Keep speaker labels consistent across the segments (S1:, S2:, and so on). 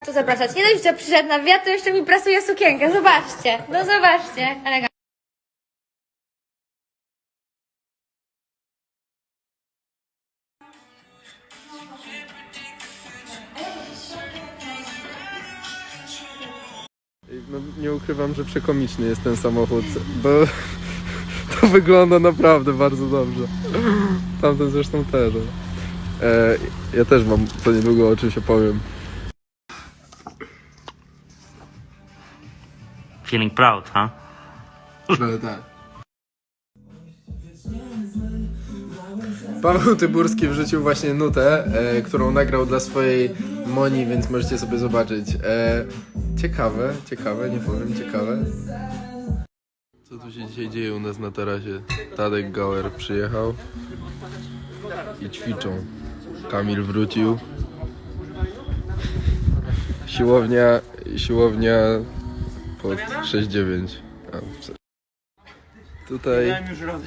S1: Tu zapraszać. Nie dość, że przyszedł na wiatr, to jeszcze mi prasuje sukienkę. Zobaczcie. No zobaczcie. Elegancko.
S2: No, nie ukrywam, że przekomiczny jest ten samochód, bo to wygląda naprawdę bardzo dobrze. Tamten zresztą też. Ja też mam to niedługo, o czym się powiem.
S3: Feeling proud, huh?
S2: Trochę tak. Paweł Tyburski wrzucił właśnie nutę, którą nagrał dla swojej Moni, więc możecie sobie zobaczyć. Ciekawe, nie powiem, ciekawe. Co tu się dzisiaj dzieje u nas na tarasie? Tadek Gauer przyjechał i ćwiczą. Kamil wrócił. Siłownia pod 6-9. Tutaj...
S4: już radę.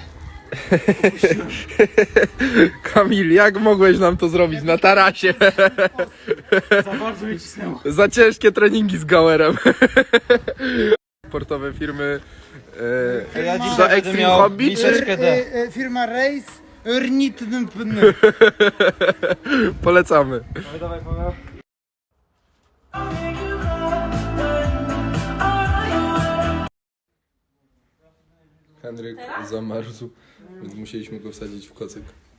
S2: Kamil, jak mogłeś nam to zrobić na tarasie?
S4: Za bardzo mnie cisnęło.
S2: Za ciężkie treningi z Gauerem. Sportowe firmy
S4: Ja
S2: czy
S4: dzisiaj
S2: to
S4: będę
S2: Extreme
S4: miał
S2: Hobby, czy...
S4: miseczkę D.
S5: Firma Race Rnitnpn.
S2: Polecamy.
S4: Dawaj, Paweł.
S2: Henryk zamarzł, więc musieliśmy go wsadzić w kocyk.